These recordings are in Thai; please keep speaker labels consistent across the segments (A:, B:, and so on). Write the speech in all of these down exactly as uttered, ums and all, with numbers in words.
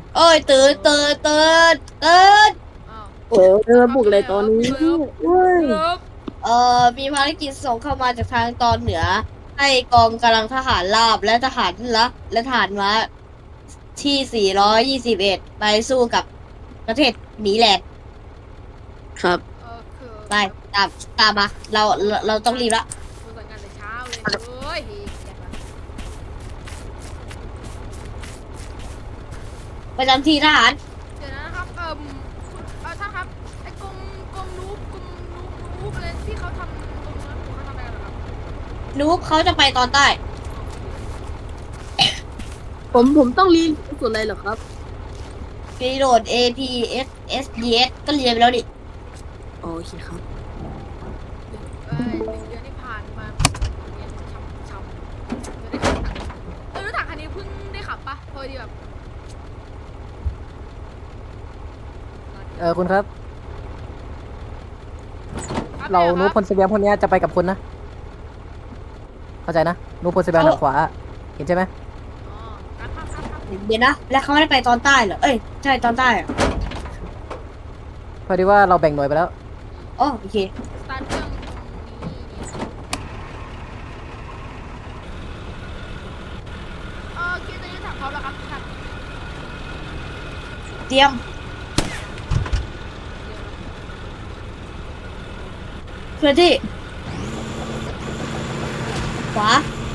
A: โอ้ยตื่นตื่นตื่นตื่น
B: อ้าว
C: โอ้เออบุกเลยตอนนี้
B: พี่เลิฟ
C: เว้ย
B: พี่เลิฟ
A: เอ่อมีภารกิจส่งเข้ามาจากทางตอนเหนือให้กองกำลังทหารราบและทหารละและทหารม้าที่สี่ร้อยยี่สิบเอ็ดไปสู้กับประเทศหนีแลนด์
C: ครับ
B: เออคือ
A: ไปตามตามมาเราเราเราต้องรีบละ
B: กูสั่งงานแต่เช้าเลยเฮ้ยเฮียเกียดว่ะ
A: ประจำที่ทหาร
B: เดี๋ยวนะครับเอ่มคุณเออท่านครับไอ้กรมกรมนูบกรมนูบนูบอะไรที่เขาทำตรงนั้นเขาทำอะไรกันเหรอครับ
A: นูบเขาจะไปตอนใต้
C: ผมผมต้องรีนส่วนอะไรเหรอครับ
A: รีโหลด เอ พี เอส เอส ดี เอส ก็เรียนไปแล้วดิ
C: โอเคครับ
B: เอ้ยหนึ่งเดือนที่ผ่านมาเรียนช้ำช้ำไม่ได้ขับเออรถถังคันนี้เพิ่งได้ขับปะพอดีแบบ
D: เออคุณครับ
B: อัปดต
D: เรา
B: หอ
D: นู
B: ค
D: พลสเบียมพวกเนี้ยจะไปกับคุณนะ เข้าใจนะนูพลสเบียมทางขวา เห็นใช่ไหม
B: อ๋อครับครับครับครับ
A: เดี๋ยวนะ แล้วเขาไม่ได้ไปตอนใต้เหรอ เอ้ย ใช่ตอนใต้เหรอ
D: พอดีว่าเราแบ่งหน่วยไปแล้ว
A: อ๋อโอเค
B: สตาร์ทเครื่องตรงนี้เออคิดจะยึดถังพร้อมแล้วครับท่าน
A: เตรียมเคลื่อนที่ขวา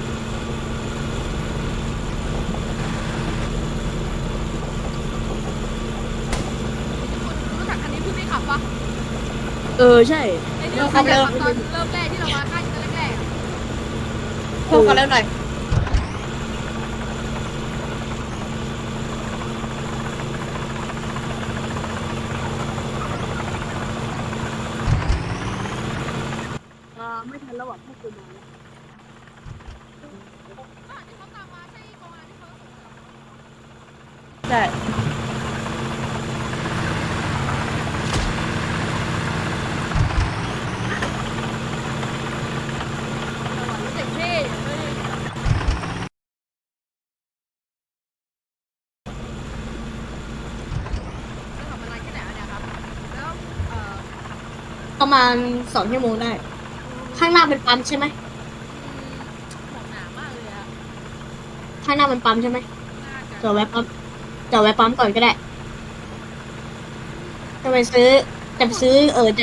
B: คุณรู้จักคันนี้เพิ่งได้ขับปะ
C: เออใช่
B: ไอ้ที่เราขับตอนเริ่มแรกที่เรามาค่ายกันแรกๆอะ
A: พวกกันแล้วหน่อย
C: อ่าไม่ทันแล้วอ่ะพวกคุณมาแล้ว
B: อ่ะที่เขาตามมาใช่กองงานที่เขาส่งมา
A: ใช่
B: รู้สึกเท่เฮ้ยจะทำอะไรแค่ไหนอะเนี่ยครับแล้วเอ่อ
A: ประมาณสองชั่วโมงได้ ข้างหน้าเป็นปั๊มใช่ไหม
B: หมอกหนามากเลยอะ
A: ข้างหน้าเป็นปั๊มใช่ไหม
B: น่าจะ
A: จอดแวะปั๊มจอดแวะปั๊มก่อนก็ได้ จะไปซื้อ จะไปซื้อเออจะ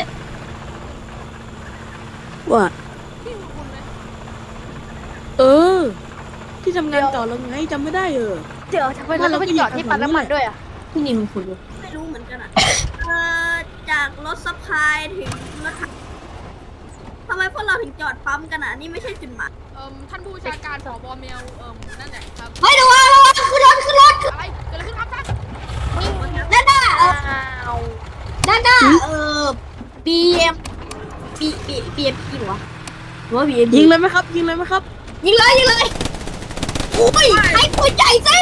C: ว่า
B: พี่คุณคุณเลย
C: เออ ที่ทำงานเก่าเราไงจำไม่ได้เออ
E: เดี๋ยวทำไมเราต้องไปจอดที่ปั๊มน้ำมันด้วยอ่ะ
A: ที่นี่คุณคุณ
F: ไม่รู้เหมือนกันอ่ะ เออจากรถซัพพลายถึงรถถังทำไมพวกเราถึงจอดปั๊มกันอ่ะ นี่ไม่ใช่จุดหมาย
B: เอ่มท่านผู้บัญชาการผบเมลเอ่มนั่นแหละครับ
A: เฮ้ยระวังระวังขึ้นรถขึ้นรถ
B: อะไรเกิดอะไรขึ้นครับท่าน
A: ด้านหน้าเออ
E: อ้าว
A: ด้านหน้าเออ บี เอ็ม B B B M P หรอวะหรือว่า B M P
C: ยิงเลยไหมครับ ยิงเลยไหมครับ
A: ยิงเลยยิงเลยโอ้ยให้ปืนใหญ่สิ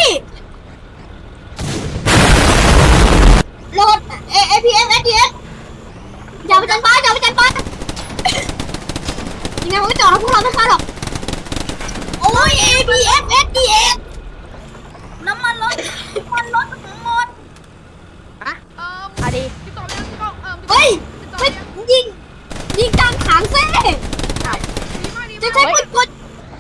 A: โหลด A A P M S D S อย่าไปจันบ้านอย่าไปจันบ้านยังไงมันก็จอดแล้วพวกเราไม่ฆ่าหรอกโอ้ย A P M S D S
F: น้ำมันรถน้ำมันรถหมด
B: เอ่ม
E: อะดี
B: ติดต่อไปยังติดต่อเอ่มติดต่อ
A: เฮ้ย
B: ติดต่อไป
A: ไม่
B: ยัง
A: ยิงยิงกลางถังเซ่
B: ดีมากดี
A: จะ
B: มาก
A: ใช้ปืนกล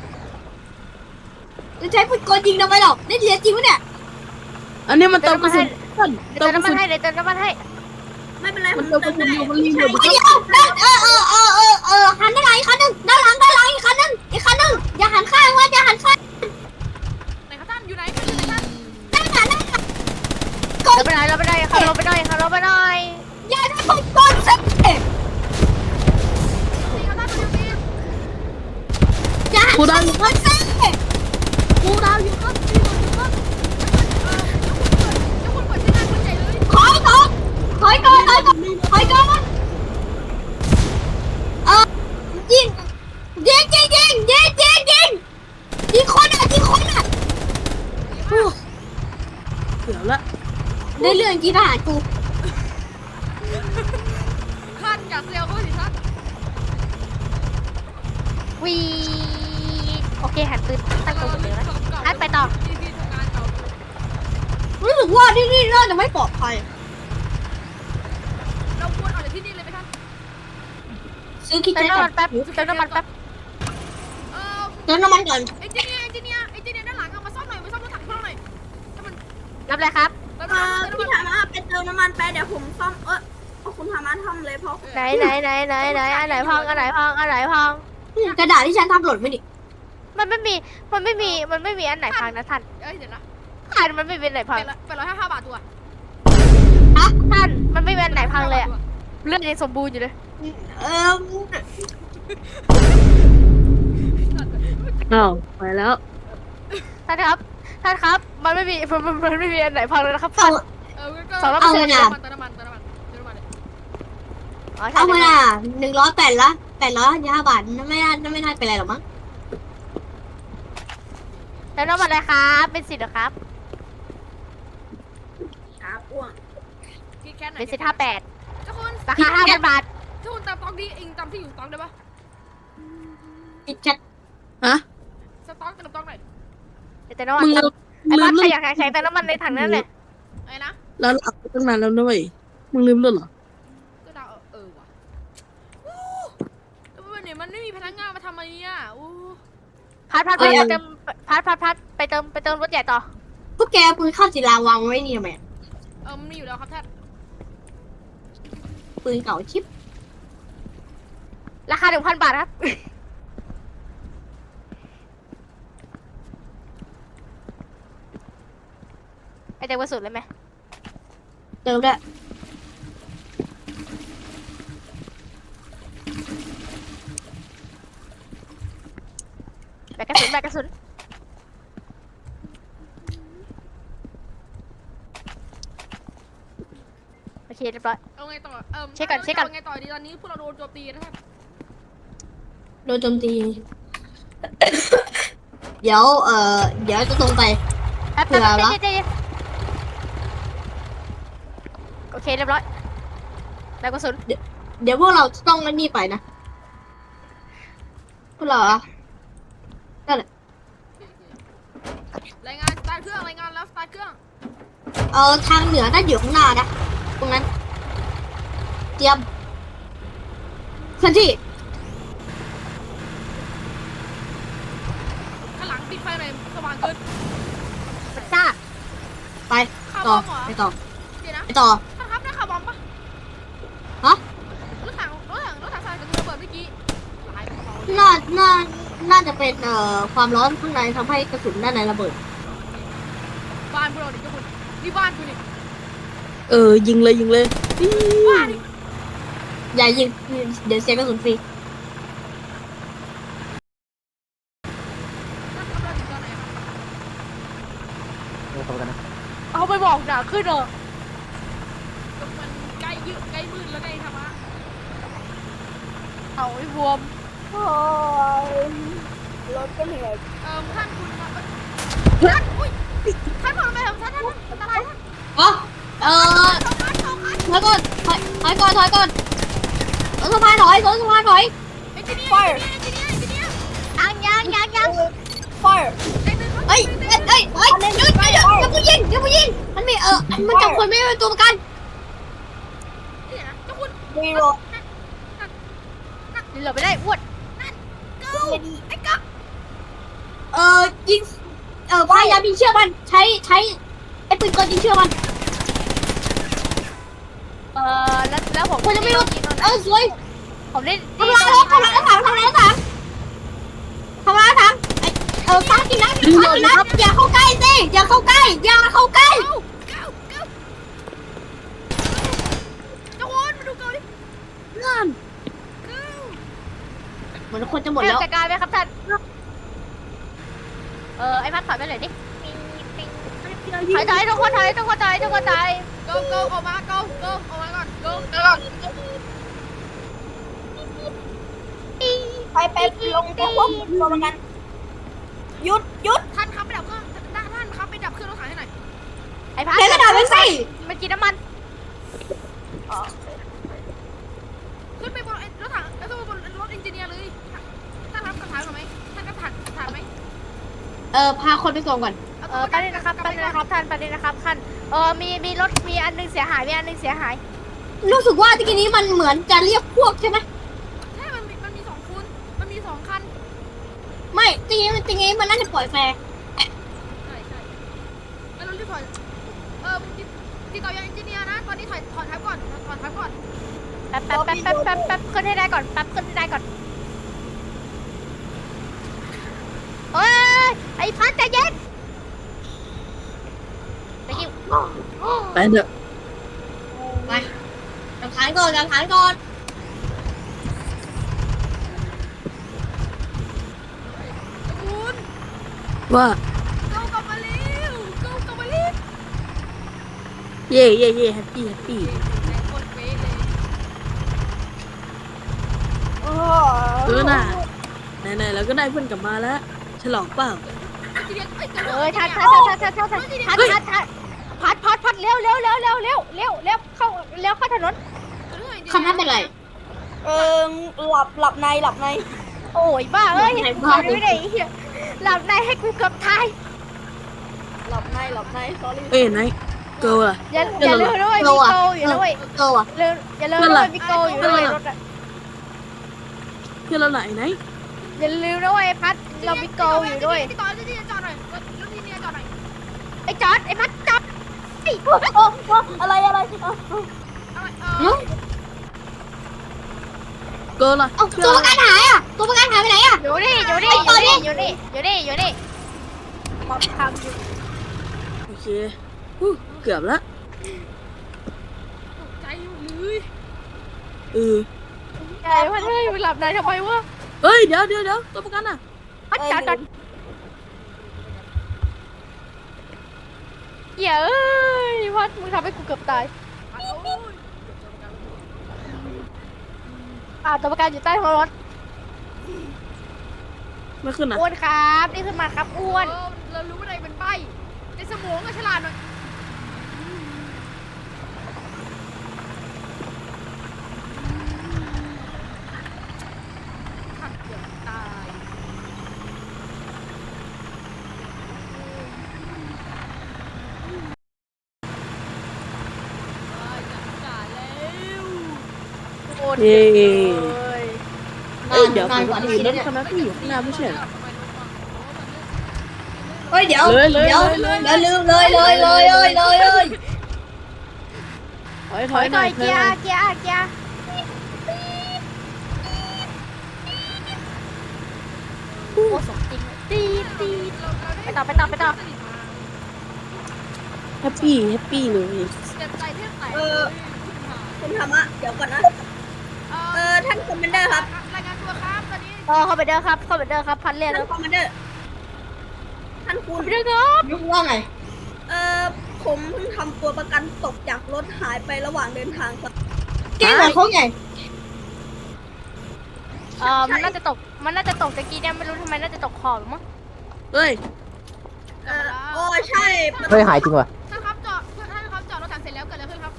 A: จะใช้ปืนกลยิงทำไมหรอกได้เรียนจริงปะเนี่ย
C: อันนี้มันเติมกระสุนต้น
E: เดี๋ยว
C: เติม
E: เติ
C: ก
E: ม
C: ระ
E: น้ำมั
C: สุ
E: น
C: น
E: ให้เดี๋ยวเติมน้ำมันให้
F: ไม่เป็นไร
C: มัน
F: ผ
C: เติมกระสุน
F: ได้
C: อยู่มันรีโหลด
F: ใช่
A: เดี๋ยวด้านเออเออเออเออเออหันด้านหลังอีกคันหนึงด้านหลังด้านหลังอีกคันหนึงอีกคันหนึงอย่าหันข้างว่าอย่าหันข้าง
B: ไหนครับท่านอยู่ไหนอยู่ไหนท่าน
A: ด้านหลังด้านหลังก
E: เรา
A: ด
E: ไปหน่อยเราไปหน่อยขับรถไปหน่อยขับรถไปหน่อย
A: อย่าได้ปืนกลเซ่
B: ดีครับท่านอยู่ดี
A: อย่าหันข้างปืนเซ่
C: กูดาวอยู่ครับรีโหลดอยู่ครับ
B: เอ่อเจ้าคุณเปิดเจ้าคุณเปิดใช้งานคนใหญ่เลย
A: ถอยก่อนถอยก่อนถอยก่อนถอยก่อนเออยิงยิงยิงยิงยิงยิงยิงยิงคนอ่ะยิงคนอ่ะ
C: เดี๋ยวละ
A: ได้เรื่องกีทหารกู
B: ท่านอย่าเซลเขาสิท่าน
E: วีโอเคหันปืนตั้งตรงเหมือนเดิมนะ ท่านไปต่อ
B: ที่ที่ทำงานเก่า
A: รู้สึกว่าที่นี่น่าจะไม่ปลอดภัย
B: เราควรออกจากที่นี่เลยไหมท่าน
A: ซื้อคิด
E: เติม
A: แค่
E: น้ำ
A: ก่
E: มั
A: อน
E: นแป๊บเติมน้ำมันแป๊บ
B: เออ
A: เติมน้ำมันก่อน
B: เอนจิเนียร์เอนจิเนียร์เอนจิเนียร์ด้านหลังเอามาซ่อมหน่อยมาซ่อมรถถังพวกเราหน่อยถ้ามัน
E: รับเลยครับ
B: เติม
F: เอ
B: น้ำ
F: อ
B: มันเติม
F: พี่
B: น้ำมัน
F: ธรรมะไปเติมน้ำมันไปเดี๋ยวผมซ่อมเออเอาคุณธรรมะทำเลยเพราะ
E: ไหนไหนไหนไหนไหนอันไหนพังอันไหนพังอันไหนพัง
A: กระดาษที่ฉันทำหล่นไม่ดิ
E: มันไม่มีมันไม่มีมันไม่มีอันไหนพังนะท่าน
B: เอ้ยเดี๋ยวนะ
E: ท่านมันไม่มีอันไหนพัง
B: เป็นร้อยเป็นร้อยห้าห้าบาทตัว
E: ท่านมันไม่มีอันไหนพังเลยอะเลือดยังสมบูรณ์อยู่เลย
A: เออ
C: อ้าวไปแล้ว
E: ท่านครับท่านครับมันไม่มีมันมันมันไม่มีอันไหนพังเลยนะครับ
A: เอา
E: ท่าน
B: เอองั้นก็
E: สองร้อย
A: เอา
E: เปอร์
A: เล
E: เซ็น
A: ย
E: ต์
A: นะ
B: เติมน้ำมันเติมน้ำมันเติมน้ำมันเลย
E: อ๋อใช่
A: เอามาน่ะหนึ่งร้อยแปดละแปดร้อยห้าบาทนั่นไม่น่านั่นไม่น่าเป็นไรหรอกมั้ง
E: แล้วน้ำมันอะไรครับเป็นสิทธิ์เหรอครับ
F: ครับอ้วง
B: คิดแค่ไหน
E: เป็นสิทธิ์ห้าแปด
B: เจ้าคุณ
E: ราคาห้าพันบาท
B: เจ้าคุณตามตองดีเองตามที่อยู่ตองได้ปะ
A: คิดแค่
C: ฮะ
B: สต็อกเติมตองหน่อย
E: แต่น้ำมัน
C: มึงลืม
E: ไอ้
C: ลื
E: บ้าม ใคร
C: เรื่อง
E: อยากใช้แต่น้ำมันในถังนั้นเลย
B: ไอ้นะ
C: แล้วหลับไปตั้งนานแล้วด้วยมึงลืมด้วยเหรอ
B: ก็ดาวเออว่ะอู้แล้ววันนี้มันไม่มีพนักงานมาทำอะไรเนี่ยอู้
E: พัดพัดพัดไปเติมพัดพัดพัดไปเติมไปเติมรถใหญ่ต่อ
A: พวกแกเอาปืนข้าวศิลาวางไว้นี่ทำไม
B: เออมันมีอยู่แล้วครับท่าน
A: ปืนเก่าชิป
E: ราคาหนึ่งพันบาทครับ ไอเด็กวัสุดเลยไหม
A: เติมด้วย
E: แบกกระสุนแบกกระสุนโอเคเรียบร้อย
B: เอาไงต่อเออ
E: เช็คก่อนเช็คก่อน
B: าไงต่อดีตอนนี้พวกเราโดนโจมตีนะท่าน
A: โดนโจมตี เดี๋ยวเอ่อเดี๋ยวจะตรงไป
E: แป๊บ
A: เผื่
E: แป๊บ
A: อ
E: แป๊บ
A: ละ
E: เจ๊เจ๊เจ๊โอเคเรียบร้อยแบกกระสุน
A: เดี๋ยวพวกเราจะต้องนั่นนี่ไปนะพวกเราอะ
B: รายงานสตาร์ทเครื่องรายงานแล้วสตาร์ทเครื่อง
A: เออทางเหนือน่าอยู่ข้างหน้านะตรงนั้น เตรียมเคลื่อนที่
B: ข้างหลังปิดไฟหน่อยสว่างเกิน
E: มันซ่า
A: ไป
B: ข่าวบ
A: ต่อ
B: อมเหรอ
A: ไปต่อ
B: เดี๋ยวนะ
A: ไปต่อ
B: ท่านครับได้ข่าวบอมปะ
A: ฮะ
B: รถถังรถถังรถถังสายกระสุนระเบิดเมื่อกี้หายไปกระเป๋าเลย
A: น่าน่าน่าจะเป็นเอ่อความร้อนข้างในทำให้กระสุนด้านในระเบิด
B: บ้านพวกเราดิเจ้าคุณนี่บ้านคุณนี่
C: เออยิงเลยยิงเลยอี้
B: บ้านนี่
A: อย่ายิงเดี๋ยวเสียกระสุนฟรี
B: ท่านทำเราถึงตอนไหนอะ
D: เดี๋ยวโทรกันนะ
E: เอาไปบอกหนาขึ้นเหรอ
B: ก็มันใกล้ยืดใกล้มืดแล้วไงธรรมะ
E: เอาไอ้บวม
B: เอ่อท่านคุณมาเอ้ยท่านอุ้ยท่านบอกทำไมครับท่านท่านท่านอันตรายท่าน
A: อ๋อเออ
B: สองคันสองคัน
A: ถอยก่อนถอยถอยก่อนถอยก่อนรถสะพานถอยรถสะพานถอย
B: เอนจิเนียร์เอนจิเนียร์เอนจิเนียร์
E: ยังยังยังยัง
B: ไอ้หนึ่ง
A: เอ้ยเอ้ยเอ้ยเอ้ยหยุดหยุดหยุดอย่าเพิ่งยิงอย่าเพิ่งยิงมันมีเออมันจับคนไม่เป็นตัวประกัน
B: เดี๋ยวนะเจ้าคุณ
E: รีโหลดไม่ได้อ้วน
B: เก้าไอ้กั๊ก
A: เออยิงเออพยายามยิงเชือกมันใช้ใช้ไอ้ปืนกลยิงเชือกมัน
E: เออแล้วแล้วผม
A: คนจะไม่รู้เออสวย
E: ผมได้
A: ทำลายรถทำลายรถถังทำลายรถถังทำลายรถถังไอเออฟังกินนะฟังกินนะอย่าเข้าใกล้สิอย่าเข้าใกล้อย่าเข้าใกล้
B: เก้าเก้าเก้าเจ้าคุณมาดูเกาดิ
C: นั่น
B: เก้า
A: เหมือนคนจะหมด
E: ให้
A: แล้ว
E: จัดการไหมครับท่านเออไอ้พัดถอยไปเลยดิถอยถอยทุกคนถอยทุกคนถอยทุกคนถอย
B: เก้าเก้าออกมาเก้าเก้าออกมาก่อนเก้าเก้า
F: ไปไปลงกับพวกตัวประกันหยุดหยุด
B: ท่านครับไปดับเครื่องท่านท่านครับไปดับเครื่องรถถังให้หน่อย
E: ไอ้พัด
A: แกกระดาษไปสิ
E: มันกินน้ำมัน
B: ขึ้นไปบนรถถังแล้วก็บนรถเอนจิเนียร์เลยท่านรับกระถางหน่อยไหมท่านกระถางถางไหม
A: เออพาคนไปส่งก่อน
E: เออไปเลยนะครับไปเลยนะครับท่านไปเลยนะครับท่านเออมีมีรถมีอันหนึงเสียหายมีอันหนึงเสียหาย
A: รู้สึกว่าตะกี้นี้มันเหมือนจะเรียกพวกใช่ไหม
B: ใช่มันมีมันมีสองคุณมันมีสองคัน
A: ไม่ตะกี้มันตะกี้มันน่าจะปล่อยแฟร์
B: ใช่ใช่แล้วเรารีบถอยเออติดติดต่อยังเอนจิเนียร์นะตอนนี้ถอยถอนทับก่อนถอนทับก่อน
E: แป๊บแป๊บแป๊บแป๊บแป๊บแป๊บขึ้นให้ได้ก่อนแป๊บขึ้นให้ได้ก่อนเอ้ยไอ้พัดใจเย็นไปคิว
C: ไปเถอะ
A: ไปกางฐานก่อนกางฐานก่อน
B: คุณ
C: ว่า
B: เก้ากลับมาเร็วเก้ากลับมาเร็ว
C: เย่เย่เย่แฮปปี้แฮปปี้
B: แรงโคตรเป๊ะเลย
C: เออน่ะไหนๆเราก็ได้เพื่อนกลับมาแล้ว ฉลองเปล่า
B: เอนจิเนียร์เอ้ย
E: เอ้ยทัดทัดทัดทัดทัดทัดทัดทัดทัดพัดพัดพัดเร็วเร็วเร็วเร็วเร็วเร็วเร็วเข้าเร็วเข้าถนน
A: คำนั้นเป็นไร
F: เออหลับหลับในหลับใน
E: โอ้ยบ้าเอ้ย
A: ไหน
E: ห
A: บ้า
E: ลับไม่ได้เหี้ยหลับในให้กูเกือบตาย
F: หลับในหลับใน sorry
C: เอ้ยไหนเกิร์ลอะ
E: อย่าอย่าลืมด้วยมีโกอยู่ด้วย
A: เออว่ะ
E: ลืมอย่าลืมด้วยมีโกอยู่ด้วยรถอะ
C: เพื่อนเราไหนไหน
E: อย่าลืมด้วยพัดเรามีโกอยู่ด้วย
B: ติดต่อเอนจิเนียร์จอดหน่อยรถรถเอนจิเนียร์จอดหน่อย
E: ไอ้จอดไอ้พัดจอดไอ้
F: โอ้โอ้อะไรอะไรเอ้าเอ้า
B: เอาเออ
C: เกิร์ลอะ
A: เอ้าตัวประกันหายอ่ะตัวประกันหายไปไหนอ่ะ
E: อยู่นี่อยู่นี่อยู่นี่อยู่นี่อยู่นี่อยู่นี่
F: มาทำอยู่
C: โอเคอู้เกือบละ
B: ตกใจหมดเลย
C: เออ
E: ไอ้พัดเฮ้ยมึงหลับในทำไมวะ
C: เฮ้ยเดี๋ยวเดี๋ยวเดี๋ยวตัวประกันอะ
E: พัดจอดจอดเหี้ยเอ้ยพัดมึงทำให้กูเกือบตาย
B: โอ้ย
E: อ่าตัวประกันอยู่ใต้ท้องรถ
C: ไม่ขึ้นอะ
E: อ้วนครับนี่ขึ้นมาครับอ้วน
B: เออเรารู้ว่าอะไรเป็นใบในสมองก็ฉลาดหน่อยขัดเกือบตายเอ้ยจัดการแล้ว
E: โคตร
C: เย่
E: เยอะเลย
C: เอ้ยเดี๋ยว
A: นา
C: ป
A: นก
C: ก
A: ว่า
C: ติ
A: ที่คิด
C: ร
A: นะ
C: ถ
A: เนี่ย
C: คันนั้นก็อยู่ข้างหน้าไม่ใช่เหรอ
A: เฮ้ยเดี๋ยว
C: เลยเลย
A: เดี๋ยว
C: เลย
A: เดี๋ยวลืมเลยเลยเลยเลยเลยเลย
C: ถอยถ
E: ถ
C: อ
E: อย ย
C: ห
E: ห
C: น่
E: น่
C: อ
E: อย ย
C: ถอ
E: เกี
C: ย
E: ย
C: หน่อย
E: ร์เกียร์เกียร์ โอ้สมจริงตีดตีดไปต่อไปต่อไปต่อ
C: แฮปปี้แฮปปี้เลย
B: เจ็บใจแทบแตก
F: เออคุณธรรมะเดี๋ยวก่อนนะ
B: เอ
F: เอ
B: อ
F: อท่านคอมมานเดอร์ครับ
B: รายงานตัวครับตอนนี้
E: เออเข้าไปเด้อครับเข้าไปเด้อครับพันเรียน
F: ท่า
E: แล้
F: น
E: ว
F: คอมมานเดอร์ ท่านคุณ
E: ไปเด้อครับ
A: ว่าไง
F: เออผมเพิ่งทำตัวประกันตกจากรถหายไประหว่างเดินทางครับ
A: เก่งเหมือนเขาไง
E: เออมันน่าจะตกมันน่าจะตกตะกี้เนี่ยไม่รู้ทำไมน่าจะตกขอบมั้ง
C: เฮ้ย
F: เออโอ้ใช่
D: เฮ้ยหายจริงว่ะ
B: ท่านครับจอดท่านครับจอดรถถังเสร็จแล้วเกิดอะไรขึ้นครับ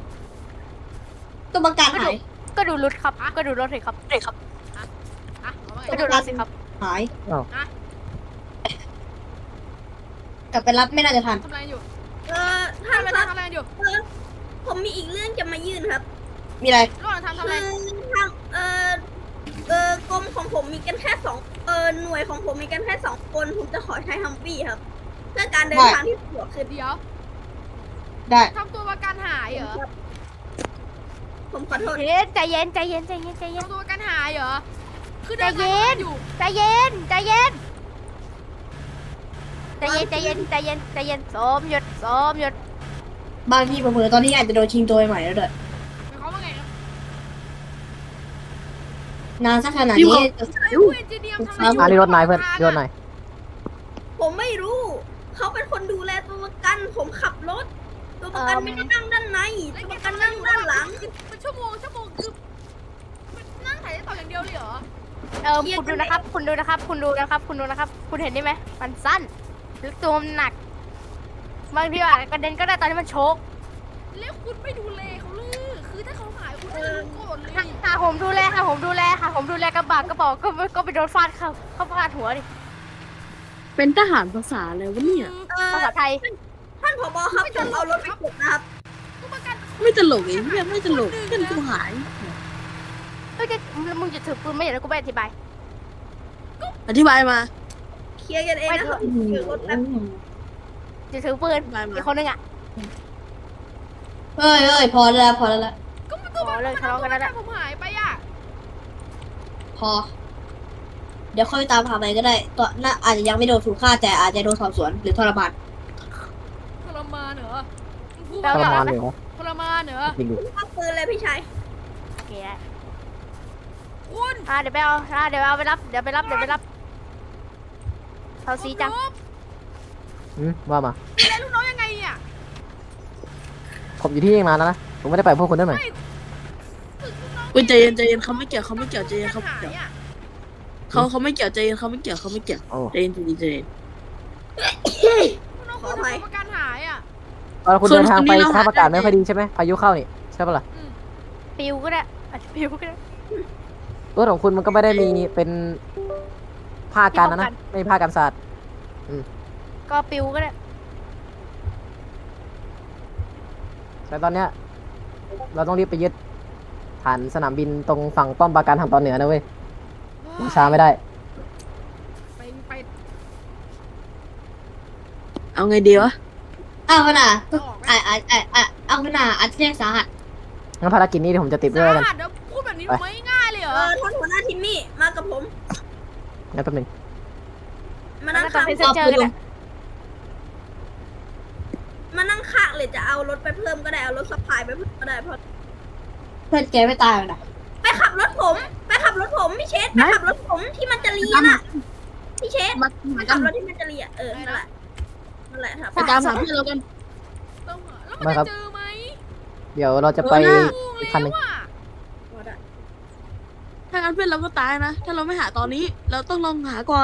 A: ตัวประกันหาย
E: ก็ดูรถครับก็ดูรถเลยครับเลยครับ
B: อ่ะเอาว่าไง
E: ก็ดูรถสิครับ
A: หาย
D: อ้าว
B: อ่ะ
A: กลับไปรับไม่น่าจะทัน
B: ทำอะไรอยู่
F: เออท่าน
B: ทำอะไร
F: ครับ
B: ทำอะไรอยู่
F: เออผมมีอีกเรื่องจะมายื่นครับ
A: มีอะไร
B: ระหว่างทำทำ
F: คื
B: อะไร
F: อทางเออเออกรมของผมมีกันแค่สองเออหน่วยของผมมีกันแค่สองคนผมจะขอใช้ฮัมวี่ครับ เพื่อการเดินทางที่สะดวกขึ้น
B: เดี๋ยว
A: ได้
B: ทำตัวประกันหายเหรอ
F: ผมขอโทษ
E: เย็นใจเย็นใจเย็นใจเย็นใจเย็น
B: ทำตัวประกันหายเหรอคือเดิน
E: ใจ
B: ทาง
E: เย็น
B: อยู่
E: ใจเย็นใจเย็นใจเย็นใจเย็นใจเย็นใจเย็นสมหยุดสมหยุด
A: บางทีเผลอๆตอนนี้อาจจะโดนชิงตัวใหม่แล้วด้วย
B: หมายความว่าไงครับ
A: นานสักขนาด
C: พี่
A: นี้
C: บอก
B: ไอ้ผู้เอนจิเนียร์ทำอะไรอยู่
D: อ่ะนี่รถนายเพื่อนนี่รถนาย
F: ผมไม่รู้ เขาเป็นคนดูแลตัวประกัน ผมขับรถ ตัวประกันไม่ได้นั่งด้านใน
B: แล้ว
F: ตัว
B: แก
F: ประกัน
B: ทำอะไร
F: นั่ง
B: อยู่
F: ด้านหลัง
B: เป็นชั่วโมงชั่วโมงคือมันนั่งถ่ายได้ต่ออย่างเดียวเลยเหรอ
E: เออคุณดูนะครับ คุณดูนะครับ คุณดูนะครับ คุณดูนะครับ คุณเห็นได้ไหมมันสั้นแล้วตัวมันหนักบางทีอาจจะกระเด็นก็ได้ตอนที่มันโชก
B: แล้วคุณไม่ดูแลเขาเลยคือถ้าเขาหายคุณจะรู้ก่อนเลย
E: ค่ะค่ะผมดูแลค่ะผมดูแลค่ะผมดูแลกระบะกระบอกก็ก็ไปโดนฟาดเข้าเข้าฟาดหัวดิ
C: เป็นทหารภาษาอะไรวะเนี่ย
F: เออ
E: ภาษาไทย
F: ท่านผบครับผมเอารถไปเก็บนะครับ
B: ก็ประกัน
C: ไม่ตลกไอ้เหี้ยไม่ตลกเพื่อนกูหาย
E: เฮ้ยแกมึงจะถือปืนไม่อย่างนั้นกูไม่อธิบาย
C: อธิบายมา
F: เคลียร์กันเองนะครับเดี๋ยวรถแป๊บ
E: จะถือปืน
C: อธิบายมา
E: อีกคนนึงอ่ะ
A: เฮ้ยเฮ้ยพอแล้วพอแล้วละ
B: ก็มันตัว
E: อ๋อเลิกทะเลาะกันแล้ว
B: แล้
E: นะ
B: ผมหายไปอ่ะ
A: พอ เดี๋ยวค่อยตามหาไปก็ได้ตัวน่าอาจจะยังไม่โดนถูกฆ่าแต่อาจจะโดนสอบสวนหรือทรมาน
B: ทรมานเหรอมึงพูด
D: ทร
B: ว่าม
D: านเลยเหรอ
B: ทรมานเหรอ
D: จริงดิ
F: เอาปืนเลยพี่ชาย
E: โอเคได้
B: คุณ
E: อ่าเดี๋ยวไปเอาอ่าเดี๋ยวเอาไปรับเดี๋ยวไปรับเดี๋ยวไปรับเขาซีจัง
B: ผม
D: อืมว่ามา
B: ดูแลลูกน้องยังไงเนี่ย
D: ผมอยู่ที่นี่นานแล้วนะ ผมไม่ได้ไปกับพวกคุณด้วยหน่อย
C: อุ้ยใจเย็นใจเย็นเขาไม่เกี่ยวเขาไม่เกี่ยวใจเย็นเขาไม่
B: หาย
C: เกี่ยว
B: อ่ะ
C: เขาเขาไม่เกี่ยวใจเย็นเขาไม่เกี่ยวเขาไม่เกี่ยว
D: โอ้
C: ใจเย็นใจเย็นใจเย็น
B: ลูกน้อง
F: ข
B: คุ
F: อ
B: ณ
F: อภัย
B: ประกันหายอ่ะ
D: ตอนคุณ
C: ส่วน
D: เดินทางไป
C: คนนี้เรา
D: สภาพอากาศ
C: หาได้
D: ไม่ค่อยดีใช่ไหมพายุเข้านี่ใช่ปะล่ะ
B: อืม
E: ปิวก็ได้อาจจะปิวก็ได้
D: รถของคุณมันก็ไม่ได้มีเป็นผ้ากันนะนะไม่มีผ้ากันสาด
E: ก็ปิวก็ได้
D: แต่ตอนเนี้ยเราต้องรีบไปยึดฐานสนามบินตรงฝั่งป้อมปราการทางตอนเหนือนะเว้ยช้าไม่ได้
B: ไปไป
C: เอาไงดีวะ
A: อ้าวขนาด
B: เอาออกไหม
A: อ่าอ่าอ่าอ่าเอาขนาดอาจจะแจ้งสาหัส
D: งั้นภารกิจนี้เดี๋ยวผมจะติดด้วยแล้วกัน
B: สาหัสเดี๋ยวพูดแบบนี้มันไม่ง่ายเลยเหร
F: เอ
B: อ
F: อท่านหัวหน้าทิมมี่มากับผม
D: งั้นแป๊บหนึง
F: มา
E: แล้ว
F: นั่ง
E: ก็ตอน
F: ข้าง
E: เพนเซอร์ก็ได้
F: มานั่งข้างเลยจะเอารถไปเพิ่มก็ได้เอารถสะพายไปเพิ่มก็ได้เพราะ
A: เพื่อนแกไม่ตายหรอกนะ
F: ไปขับรถผม ไปขับรถผมพี่เชษไปขับรถผมที่มันจะเรียนอ่ะพี่เชษ
C: มา
F: ไป
C: มา
F: ขั
C: ตา
F: บ
C: ม
F: รถที่มันจะเรียนเออนั่นแหละนั่นแหละครับ
C: ไปตามหาเพื่อนเรากัน
B: ต้องหาแล้วมันจะเจอไหม
D: เดี๋ยวเราจะไป
C: เออน่า
D: อีกคันหนึ่ง
B: แล้วอะ
C: ถ้างั้นเพื่อนเราก็ตายนะ ถ้าเราไม่หาตอนนี้ เราต้องลองหาก่อน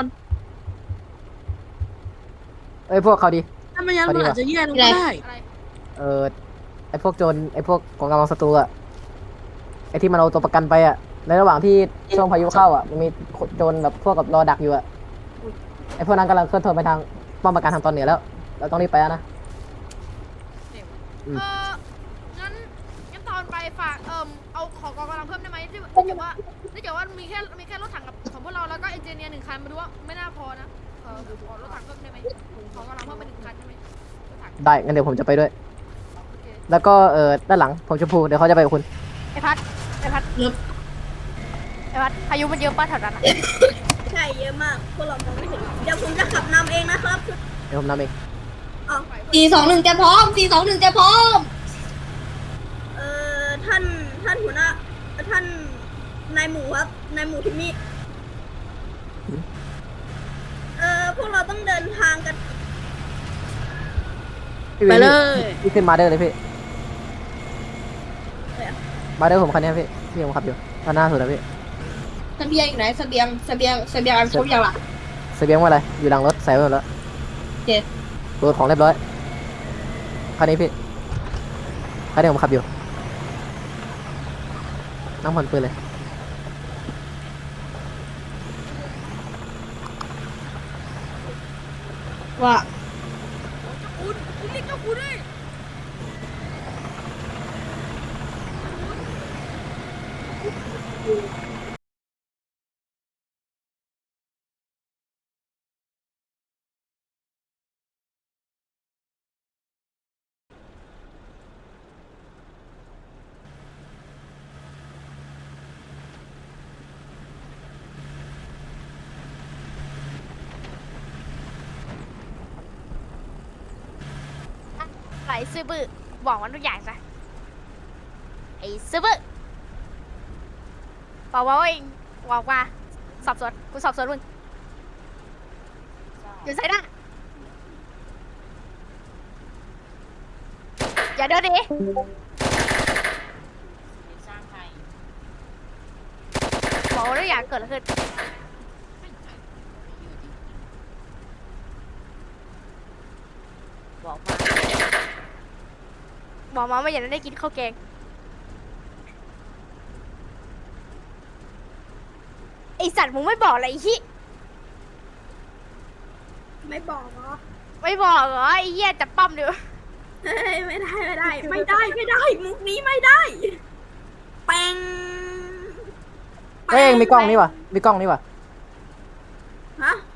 D: เอ้ยพวกเขาดี
C: ถ้าไม่งั้น
D: พอดี
C: มัน
D: ว่ะ
C: อาจจะแย่ลงก็ได้
B: อะไร
D: เออไอพวกโจรไอพวกกองกำลังศัตรูอะไอที่มันเอาตัวประกันไปอะในระหว่างที่ช่วงพายุเข้าอะมันมีโจรแบบพวกกับรอดักอยู่อะไอพวกนั้นกำลังเคลื่อนตัวไปทางป้อมปราการทางตอนเหนือแล้ว เราต้องรีบไปแล้วนะ อืม
B: เอองั้นงั้นตอนไปฝากเอ่มเอาของกองกำลังเพิ่มได้ไหมที่ถ้าเกิดว่าถ้าเกิดว่ามีแค่มีแค่รถถังกับของพวกเราแล้วก็เอนจิเนียร์หนึ่งคันมาดูว่าไม่น่าพอนะเออขอรถถังเพิ่มได้ไหมของกำลังเพิ่มไปหนึ่งคันได้ไหมรถถัง
D: ได้งั้นเดี๋ยวผมจะไปด้วย
B: โอเค
D: แล้วก็เออด้านหลังผมชมพูเดี๋ยวเขาจะไปกับคุณ
E: ไอพัดไอพัด
A: ครับ
E: ไอพัดพายุมันเยอะป้าแถวนั้นอะ
F: ใช่เยอะมากพวกเรามองไม่เห็นเดี๋ยวผมจะขับนำเองนะครับ
D: เดี๋ยวผมนำเอง
F: อ๋อ
A: สี่สองหนึ่งจะพร้อมสี่สองหนึ่งจะพร้อม
F: เอ่อท่านท่านหัวหน้าท่านนายหมูครับนายหมูทิมมี่เอ่อพวกเราต้องเดินทางกัน
D: พี่
C: ไป
D: วิน
C: เลย
D: พี่ขึ้นมาเดอร์เลยพี่มาเดอร์ผมคันนี้พี่พี่ผมขับอยู่ด้านหน้าสุดแล้วพี่
A: เสบียงอยู่ไหนเสบียงเสบียงเสบียงอันครบยังล่ะ
D: เสบียงว่าอะไรอยู่หลังรถใส่ไว้หมดแล้ว
A: โอเค
D: โหลดของเรียบร้อยคันนี้พี่คันนี้ผมขับอยู่นั่งผ่อนปืนเลย
A: ว่า
B: คุณคุณเรียกเจ้าคุณดิ
E: ไอซื้อบื้อบอกมันทุกอย่างซะไอซื้อบื้อบอกว่าเองบอกว่าสอบสวนกูสอบสวนมึงอยู่ใส่หน้าอย่าเดินดิบอกว่าทุกอย่างเกิดอะไรขึ้นบอกมาบอกมาไม่อยากได้กินข้าวแกงไอสัตว์มึงไม่บอกอะไรอีก
F: ไม่บอกเหรอ
E: ไม่บอกเหรอไอ้เหี้ยจับปั้มเดี๋ยว
F: เฮ้ยไม่ได้ไม่ได้ ไม่ได้ไม่ได้ มุกนี้ไม่ได้แปง
D: เฮ้ยมีกล้องนี่วะมีกล้องนี่วะ
F: ฮะ